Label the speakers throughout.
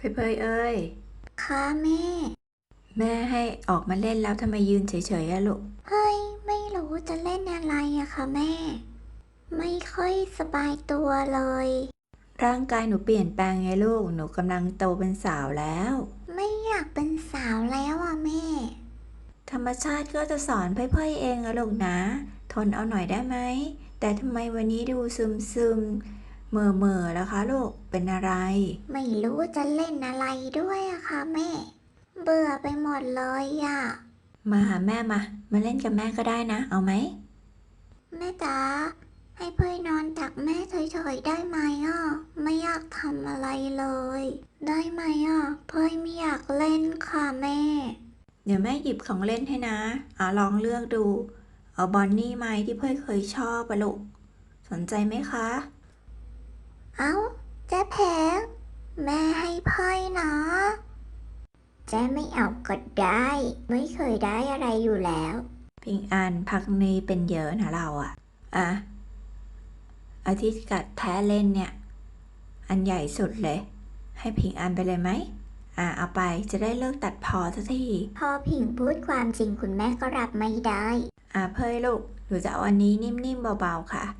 Speaker 1: เพยเอ้ย
Speaker 2: ค่ะแม่
Speaker 1: แม่ให้ออกมาเล่นแล้วทำไมยืนเฉยๆอะลูก
Speaker 2: เฮ้ยไม่รู้จะเล่นอะไรอะค่ะแม่ไม่ค่อยสบายตัวเลย
Speaker 1: ร่างกายหนูเปลี่ยนแปลงไงลูกหนูกำลังโตเป็นสาวแล้ว
Speaker 2: ไม่อยากเป็นสาวแล้วอะแม่
Speaker 1: ธรรมชาติก็จะสอนเพยเองอะลูกนะทนเอาหน่อยได้ไหมแต่ทำไมวันนี้ดูซึมๆเหม่อแล้วคะลูกเป็นอะไร
Speaker 2: ไม่รู้จะเล่นอะไรด้วยอะค่ะแม่เบื่อไปหมดเลยอะ
Speaker 1: มาหาแม่มาเล่นกับแม่ก็ได้นะเอาไหม
Speaker 2: แม่จ๋าให้เพื่อนนอนตักแม่เฉยๆได้ไหมอะไม่อยากทำอะไรเลยได้ไหมอะเพื่อนไม่อยากเล่นค่ะแม่
Speaker 1: เดี๋ยวแม่หยิบของเล่นให้นะลองเลือกดูเอาบอนนี่ไหมที่เพยเคยชอบอะลูกสนใจไหมคะ
Speaker 2: เอ้าเจ๊แพงแม่ให้ไพ่นะเจ๊ไม่เอาก็ได้ไม่เคยได้อะไรอยู่แล้ว
Speaker 1: พิงอันพักนี้เป็นเยอะนะเราอ่ะอาทิตย์กัดแท้เล่นเนี่ยอันใหญ่สุดเลยให้พิงอันไปเลยไหมเอาไปจะได้เลิกตัดพอสักที
Speaker 2: พอผิงพูดความจริงคุณแม่ก็รับไม่ได้
Speaker 1: เพยลูกหนูจะเอาอันนี้นิ่มๆเบาๆค่ะ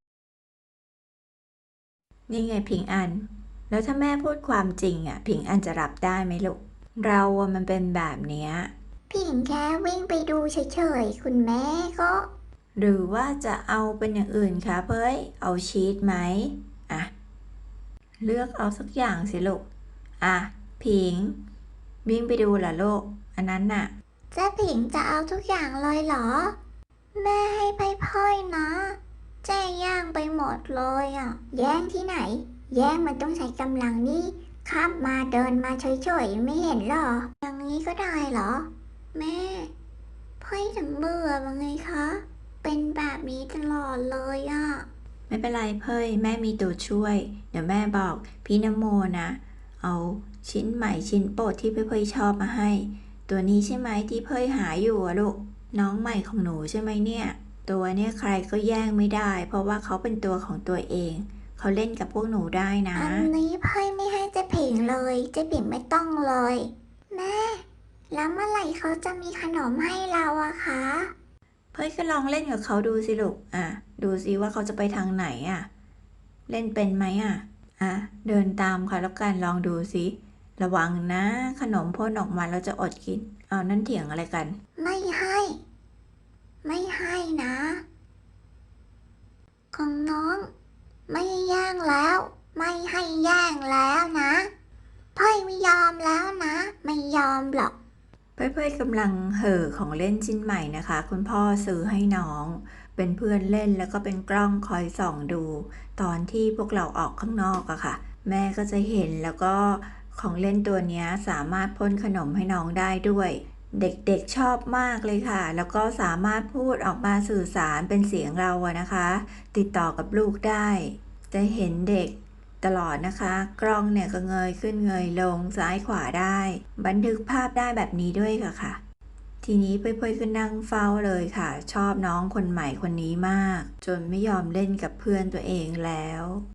Speaker 1: นี่ไงพิงอันแล้วถ้าแม่พูดความจริงพิงอันจะรับได้ไหมลูกเรามันเป็นแบบเนี้ย
Speaker 2: ผิงแค่วิ่งไปดูเฉยๆคุณแม่ก็
Speaker 1: หรือว่าจะเอาเป็นอย่างอื่นคะเพยเอาชีสไหมอ่ะเลือกเอาสักอย่างสิลูกพิงวิ่งไปดูเหรอลูกอันนั้นน่ะ
Speaker 2: เจ๊ผิงจะเอาทุกอย่างเลยเหรอแม่ให้ไพ่ๆนะเจ๊แย่งไปหมดเลยอ่ะแย่งที่ไหนแย่งมันต้องใช้กำลังนี่ข้ามมาเดินมาเฉยๆไม่เห็นเหรออย่างนี้ก็ได้เหรอแม่ไพ่ถึงเบื่อว่าไงคะเป็นแบบนี้ตลอดเลยอ่ะ
Speaker 1: ไม่เป็นไรเพยแม่มีตัวช่วยเดี๋ยวแม่บอกพี่นโมนะเอาชิ้นใหม่ชิ้นโปรดที่เพยชอบมาให้ตัวนี้ใช่ไหมที่เพยหาอยู่อะลูกน้องใหม่ของหนูใช่ไหมเนี่ยตัวเนี่ยใครก็แย่งไม่ได้เพราะว่าเขาเป็นตัวของตัวเองเขาเล่นกับพวกหนูได้นะ
Speaker 2: อันนี้ไพ่ไม่ให้เจ๊ผิงเลยเจ๊ผิงไม่ต้องเลยแม่แล้วเมื่อไหร่เขาจะมีขนมให้เราอะคะ
Speaker 1: เพยก็ลองเล่นกับเขาดูสิลูกดูสิว่าเขาจะไปทางไหนเล่นเป็นไหมเดินตามค่ะแล้วกันลองดูสิระวังนะขนมพ่นออกมาเราจะอดกินเอานั่นเถียงอะไรกัน
Speaker 2: ไม่ให้ไม่ให้นะของน้องไม่แย่งแล้วไม่ให้แย่งแล้วนะไพ่ไม่ยอมแล้วนะไม่ยอมหรอก
Speaker 1: เพื่อนๆกำลังเห่อของเล่นชิ้นใหม่นะคะคุณพ่อซื้อให้น้องเป็นเพื่อนเล่นแล้วก็เป็นกล้องคอยส่องดูตอนที่พวกเราออกข้างนอกอะค่ะแม่ก็จะเห็นแล้วก็ของเล่นตัวนี้สามารถพ่นขนมให้น้องได้ด้วยเด็กๆชอบมากเลยค่ะแล้วก็สามารถพูดออกมาสื่อสารเป็นเสียงเราอะนะคะติดต่อกับลูกได้จะเห็นเด็กตลอดนะคะกล้องเนี่ยก็เงยขึ้นเงยลงซ้ายขวาได้บันทึกภาพได้แบบนี้ด้วยค่ะทีนี้เพื่อนๆก็นั่งเฝ้าเลยค่ะชอบน้องคนใหม่คนนี้มากจนไม่ยอมเล่นกับเพื่อนตัวเองแล้ว